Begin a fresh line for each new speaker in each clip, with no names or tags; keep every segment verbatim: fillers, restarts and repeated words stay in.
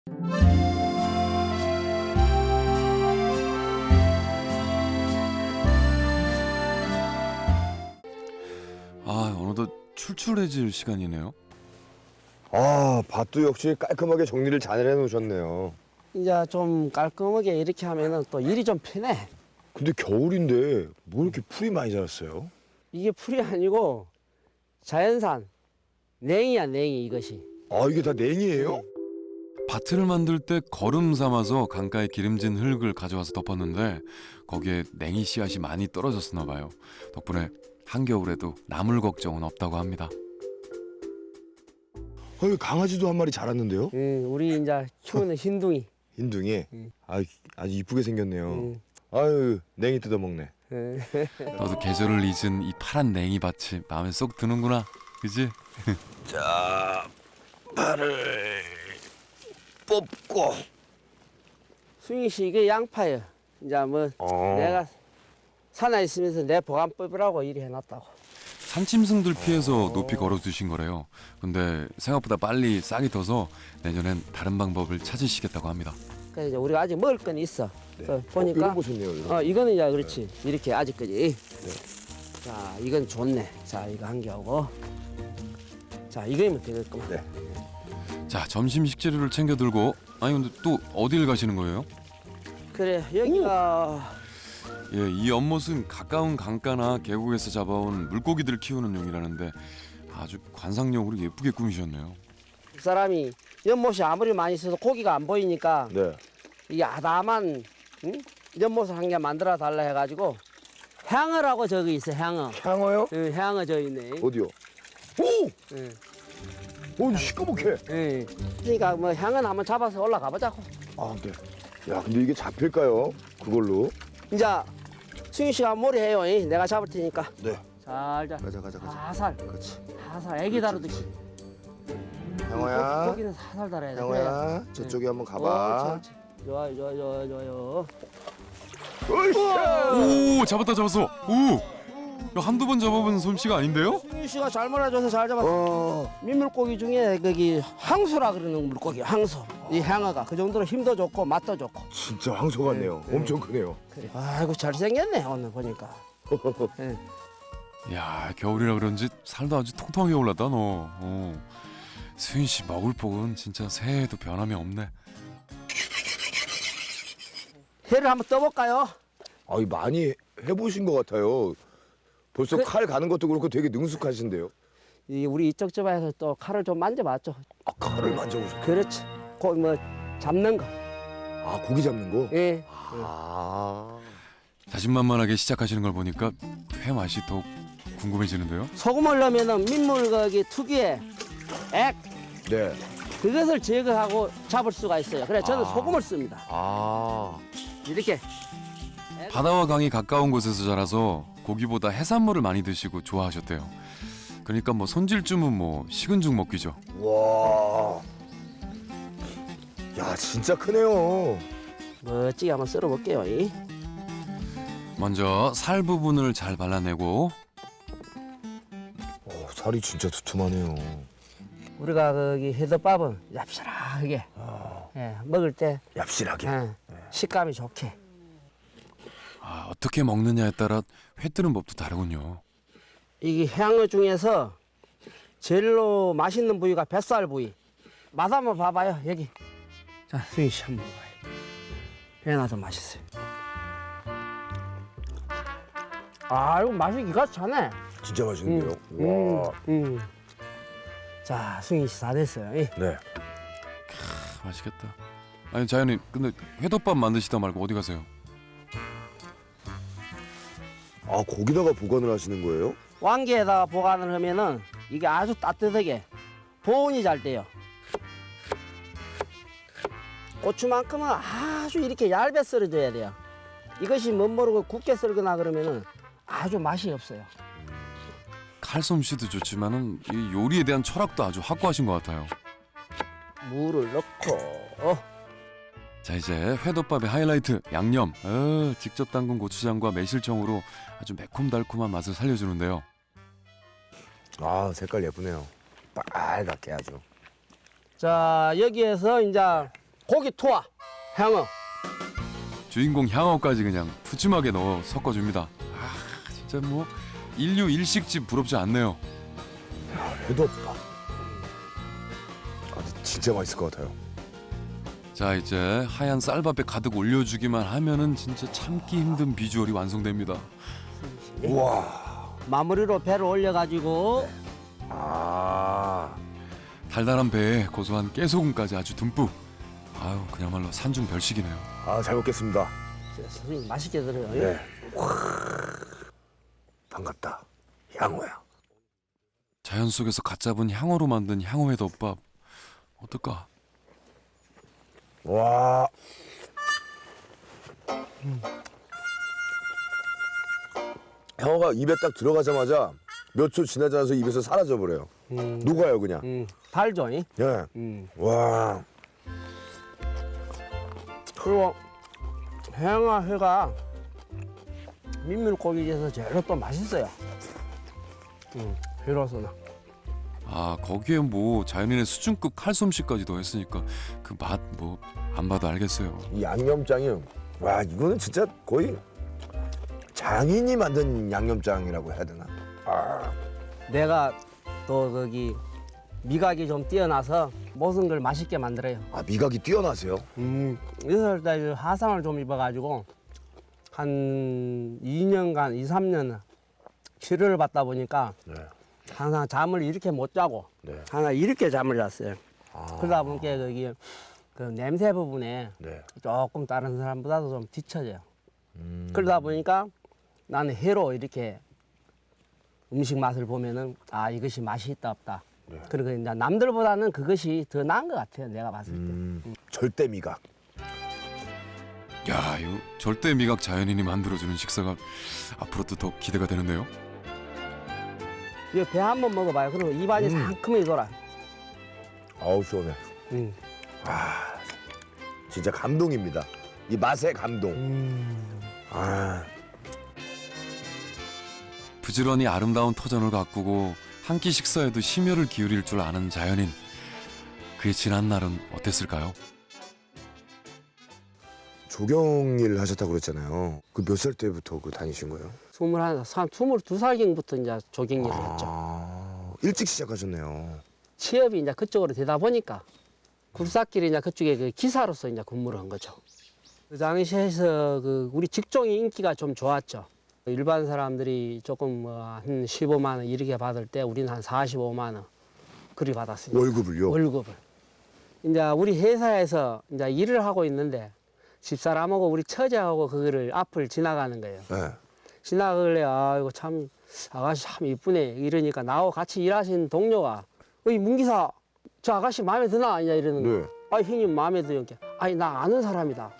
아, 어느덧 출출해질 시간이네요.
아, 밭도 역시 깔끔하게 정리를 잘 해놓으셨네요.
이제 좀 깔끔하게 이렇게 하면은 또 일이 좀 편해.
근데 겨울인데 뭐 이렇게 풀이 많이 자랐어요?
이게 풀이 아니고 자연산 냉이야, 냉이 이것이.
아, 이게 다 냉이에요?
밭을 만들 때 거름 삼아서 강가에 기름진 흙을 가져와서 덮었는데 거기에 냉이 씨앗이 많이 떨어졌었나 봐요. 덕분에 한겨울에도 나물 걱정은 없다고 합니다.
아, 여기 강아지도 한 마리 자랐는데요?
응, 우리 이제 키우는 흰둥이.
흰둥이?
응.
아, 아주 이쁘게 생겼네요.
응.
아유, 냉이 뜯어먹네.
응.
너도 계절을 잊은 이 파란 냉이 밭이 마음에 쏙 드는구나. 그지?
자, 팔을 뽑고.
승희 씨 이게 양파예요. 이제 뭐
어.
내가 산에 있으면서 내 보관법이라고 이리 해놨다고.
산짐승들 피해서 높이 걸어두신 거래요. 근데 생각보다 빨리 싹이 터서 내년엔 다른 방법을 찾으시겠다고 합니다.
그래서 이제 우리가 아직 먹을 건 있어.
네.
그
어,
보니까
이런 거 좋네요. 이런 거.
어 이거는 이제 그렇지 이렇게 아직까지. 자 이건 좋네. 자 이거 한 개 하고. 자 이거면 되겠구만.
네.
자, 점심 식재료를 챙겨 들고 아니 근데 또 어딜 가시는 거예요?
그래 여기가
예, 이 연못은 가까운 강가나 계곡에서 잡아온 물고기들을 키우는 용이라는데 아주 관상용으로 예쁘게 꾸미셨네요.
그 사람이 연못이 아무리 많이 있어도 고기가 안 보이니까
네.
이 아담한 응? 연못을 한 개 만들어 달라 해가지고 향어라고 저기 있어 향어.
향어요?
응, 향어 저 있네.
어디요? 오!
응,
오, 시꺼멓게.
응. 그러니까 뭐 향은 한번 잡아서 올라가 보자고.
아, 네. 야, 근데 이게 잡힐까요? 그걸로?
이제 승희 씨가 몰이 해요. 이. 내가 잡을 테니까.
네.
살자.
가자, 가자, 가자.
살살.
그렇지.
살살. 애기 다루듯이.
향어야.
고기는 살살 달아야 돼.
향어야, 저쪽에 한번 가봐.
옳지, 옳지. 좋아요, 좋아요, 좋아요, 좋아요.
으쌰!
오, 잡았다 잡았어. 오, 야, 한두 번 잡아본 솜씨가 아닌데요?
승희 씨가 잘 몰아줘서 잘 잡았어.
어,
민물고기 중에 거기 항수라 그러는 물고기, 항수. 이 향어가 그 정도로 힘도 좋고 맛도 좋고.
진짜 황소 같네요.
네, 네.
엄청 크네요.
그래. 아이고 잘생겼네 오늘 보니까. 예.
야, 겨울이라 그런지 살도 아주 통통하게 올랐다 너. 어. 수인 씨 먹을 복은 진짜 새해에도 변함이 없네.
회를 한번 떠볼까요?
아, 이 많이 해보신 것 같아요. 벌써
그-
칼 가는 것도 그렇고 되게 능숙하신데요.
이 우리 이쪽 집안에서 또 칼을 좀 만져봤죠.
아, 칼을 만져보셨.
그렇지. 고, 뭐 잡는 거.
아, 고기 잡는 거?
예.
아.
자신만만하게 시작하시는 걸 보니까 회 맛이 더욱 궁금해지는데요.
소금을 넣으면은 민물고기 특유의 액
네.
그것을 제거하고 잡을 수가 있어요. 그래 저는
아.
소금을 씁니다.
아.
이렇게.
바다와 강이 가까운 곳에서 자라서 고기보다 해산물을 많이 드시고 좋아하셨대요. 그러니까 뭐 손질쯤은 뭐 식은 죽 먹기죠.
와. 야, 진짜 크네요.
멋지게 한번 썰어볼게요. 이.
먼저 살 부분을 잘 발라내고
어, 살이 진짜 두툼하네요.
우리가 거기 해덮밥은 얍실하게 예, 먹을 때
얍실하게.
예, 식감이 좋게.
아, 어떻게 먹느냐에 따라 회 뜨는 법도 다르군요.
이게 향어 중에서 제일로 맛있는 부위가 뱃살 부위. 맛 한번 봐봐요 여기. 자 승희 씨 한번 봐요. 배나도 맛있어요. 아 이거 맛이 기가 차네.
진짜 맛있는데요.
음,
와.
음. 자 승희 씨 다 됐어요. 이.
네.
아, 맛있겠다. 아니 자연님 근데 회덮밥 만드시다 말고 어디 가세요?
아, 거기다가 보관을 하시는 거예요?
왕기에다가 보관을 하면은 이게 아주 따뜻하게 보온이 잘 돼요. 고추만큼은 아주 이렇게 얇게 썰어줘야 돼요. 이것이 못 모르고 굵게 썰거나 그러면은 아주 맛이 없어요.
칼솜씨도 좋지만은 이 요리에 대한 철학도 아주 확고하신 것 같아요.
물을 넣고
자, 이제 회덮밥의 하이라이트 양념. 어, 직접 담근 고추장과 매실청으로 아주 매콤달콤한 맛을 살려주는데요.
아, 색깔 예쁘네요. 빨갛게 아주.
자 여기에서 이제 고기 투하, 향어.
주인공 향어까지 그냥 푸짐하게 넣어 섞어줍니다. 아 진짜 뭐 인류 일식집 부럽지 않네요.
해도 없다. 아, 진짜 맛있을 것 같아요.
자 이제 하얀 쌀밥에 가득 올려주기만 하면은 진짜 참기 힘든 비주얼이 완성됩니다.
우와.
마무리로 배를 올려가지고
아.
달달한 배에 고소한 깨소금까지 아주 듬뿍. 아유 그야말로 산중 별식이네요.
아, 잘 먹겠습니다.
선생님 맛있게 드려요.
네. 와. 반갑다. 향어야.
자연 속에서 갓 잡은 향어로 만든 향어회 덮밥 어떨까?
와. 향어가 입에 딱 들어가자마자 몇 초 지나지 않아서 입에서 사라져 버려요.
음,
녹아요 그냥.
음, 달죠. 이?
예.
음.
와.
그리고 향어회가 민물고기에서 제일 또 맛있어요. 음, 회로서는.
아 거기에 뭐 자연인의 수준급 칼솜씨까지 더했으니까 그 맛 뭐 안 봐도 알겠어요.
이 양념장이 와 이거는 진짜 거의 장인이 만든 양념장이라고 해야 되나? 아.
내가 또 거기 미각이 좀 뛰어나서 모든 걸 맛있게 만들어요.
아 미각이 뛰어나세요?
음, 여섯 살 화상을 좀 입어가지고 한 이 년간, 이, 삼 년 치료를 받다 보니까
네.
항상 잠을 이렇게 못 자고
네.
항상 이렇게 잠을 잤어요.
아.
그러다 보니까 거기 그 냄새 부분에
네.
조금 다른 사람보다도 좀 뒤처져요.
음.
그러다 보니까 나는 회로 이렇게 음식 맛을 보면은 아 이것이 맛이 있다 없다.
네.
그리고 이제 남들보다는 그것이 더 나은 것 같아요. 내가 봤을 때.
음. 절대 미각.
야 이거 절대 미각 자연인이 만들어주는 식사가 앞으로도 더 기대가 되는데요.
이거 배 한 번 먹어봐요. 그러면 입안이
음.
상큼하게 돌아.
아우 시원해.
음.
아 진짜 감동입니다. 이 맛의 감동.
음.
아.
부지런히 아름다운 터전을 가꾸고 한 끼 식사에도 심혈을 기울일 줄 아는 자연인. 그의 지난 날은 어땠을까요?
조경일 하셨다고 그랬잖아요. 그 몇 살 때부터 그 다니신 거예요?
스물한, 스물두 살경부터 이제 조경일을 했죠.
아, 일찍 시작하셨네요.
취업이 이제 그쪽으로 되다 보니까 굴삭길이 이제 그쪽에 그 기사로서 이제 근무를 한 거죠. 그 당시에서 그 우리 직종이 인기가 좀 좋았죠. 일반 사람들이 조금 뭐 한 십오만 원 이렇게 받을 때 우리는 한 사십오만 원 그리 받았습니다.
월급을요?
월급을. 이제 우리 회사에서 이제 일을 하고 있는데 집사람하고 우리 처제하고 그거를 앞을 지나가는 거예요.
네.
지나가길래 아 이거 참 아가씨 참 이쁘네 이러니까 나하고 같이 일하신 동료가 어이 문기사 저 아가씨 마음에 드나 이제 이러는 거예요.
네.
아 형님 마음에 들어요. 아니 나 아는 사람이다.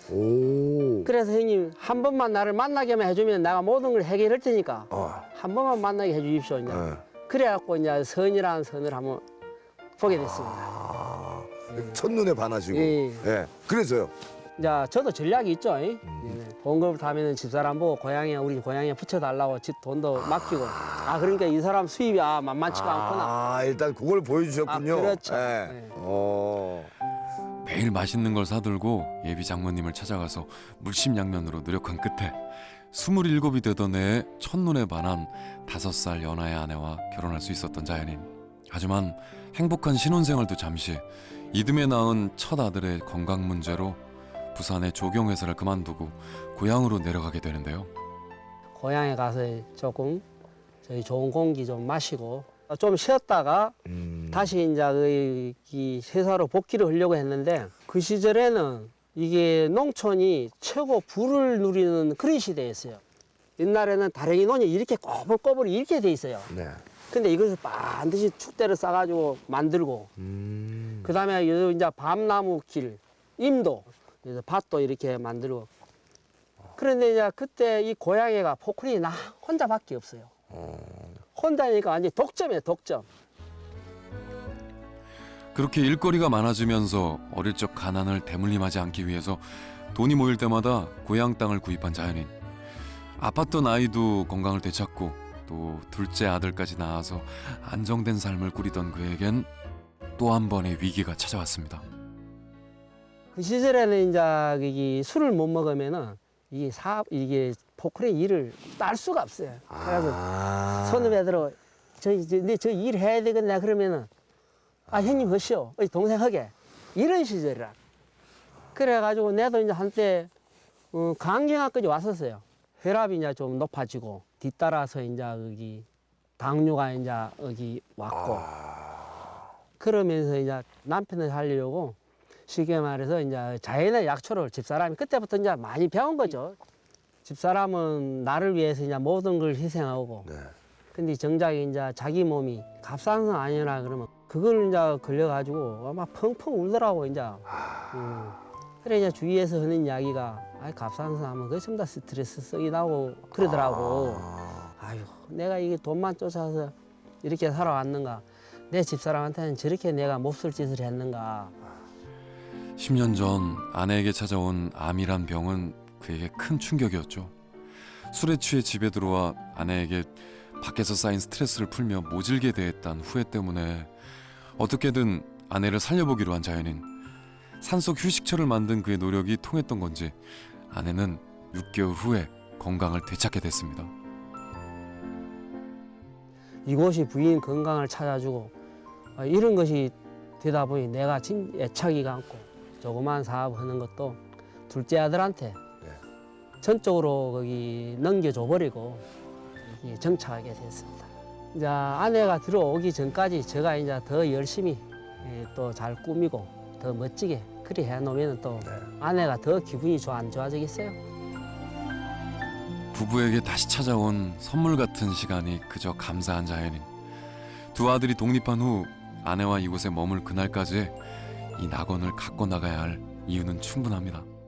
오.
그래서 형님 한 번만 나를 만나게만 해주면 내가 모든 걸 해결할 테니까
아.
한 번만 만나게 해주십시오. 이제.
네.
그래갖고 이제 선이라는 선을 한번 보게 됐습니다.
아. 첫눈에 반하시고.
예.
예. 그래서요.
이제 저도 전략이 있죠. 이? 네. 봉급을 하면은 집사람 보고 고향에 우리 고향에 붙여달라고 집 돈도 맡기고. 아 그러니까 이 사람 수입이 아 만만치가 않구나.
아, 일단 그걸 보여주셨군요.
아, 그렇죠.
예.
네.
어.
매일 맛있는 걸 사들고 예비 장모님을 찾아가서 물심양면으로 노력한 끝에 스물일곱이 되던 해에 첫눈에 반한 다섯 살 연하의 아내와 결혼할 수 있었던 자연인. 하지만 행복한 신혼생활도 잠시 이듬해 낳은 첫 아들의 건강 문제로 부산의 조경회사를 그만두고 고향으로 내려가게 되는데요.
고향에 가서 조금 저희 좋은 공기 좀 마시고 좀 쉬었다가
음.
다시 이제 그 이 회사로 복귀를 하려고 했는데 그 시절에는 이게 농촌이 최고 부를 누리는 그런 시대였어요. 옛날에는 다랭이 논이 이렇게 꼬불꼬불 이렇게 돼 있어요.
네.
근데 이것을 반드시 축대를 싸가지고 만들고
음.
그 다음에 이제 밤나무 길, 임도, 그래서 밭도 이렇게 만들고. 그런데 이제 그때 이 고향에가 포크린이 나 혼자밖에 없어요. 혼자니까 완전 독점이에요, 독점.
그렇게 일거리가 많아지면서 어릴 적 가난을 대물림하지 않기 위해서 돈이 모일 때마다 고향 땅을 구입한 자연인. 아팠던 아이도 건강을 되찾고 또 둘째 아들까지 낳아서 안정된 삶을 꾸리던 그에겐 또 한 번의 위기가 찾아왔습니다.
그 시절에는 이제 이게 술을 못 먹으면은 이게 사 이게 포크레인 일을 딸 수가 없어요. 그래서
아.
손님애들은 저 이제 내 저 일 해야 되겠네 그러면은 아 형님 하시오, 어이, 동생 하게 이런 시절이라. 그래가지고 내도 이제 한때 어, 강경화까지 왔었어요. 혈압이 이제 좀 높아지고 뒤따라서 이제 여기 당뇨가 이제 여기 왔고 그러면서 이제 남편을 살리려고 쉽게 말해서 이제 자연의 약초를 집사람이 그때부터 이제 많이 배운 거죠. 집사람은 나를 위해서 이제 모든 걸 희생하고
네.
근데 정작 이제 자기 몸이 갑상선 아니라 그러면 그걸 이제 걸려가지고 아마 펑펑 울더라고 이제. 음. 그래 이제 주위에서 하는 이야기가 아 갑상선 하면 그게 전부 다 스트레스 썩이 나고 그러더라고.
아.
아유 내가 이게 돈만 쫓아서 이렇게 살아왔는가. 내 집사람한테는 저렇게 내가 몹쓸 짓을 했는가.
십 년 전 아내에게 찾아온 암이란 병은 그에게 큰 충격이었죠. 술에 취해 집에 들어와 아내에게 밖에서 쌓인 스트레스를 풀며 모질게 대했단 후회 때문에 어떻게든 아내를 살려보기로 한 자연인. 산속 휴식처를 만든 그의 노력이 통했던 건지 아내는 육 개월 후에 건강을 되찾게 됐습니다.
이곳이 부인 건강을 찾아주고 아, 이런 것이 되다 보니 내가 진 애착이가 않고 조그만 사업하는 것도 둘째 아들한테 전적으로 거기 넘겨줘 버리고 정착하게 됐습니다. 이제 아내가 들어오기 전까지 제가 이제 더 열심히 또 잘 꾸미고 더 멋지게 그리 해놓으면 또 아내가 더 기분이 좋아 안 좋아지겠어요?
부부에게 다시 찾아온 선물 같은 시간이 그저 감사한 자연인. 두 아들이 독립한 후 아내와 이곳에 머물 그날까지 이 낙원을 갖고 나가야 할 이유는 충분합니다.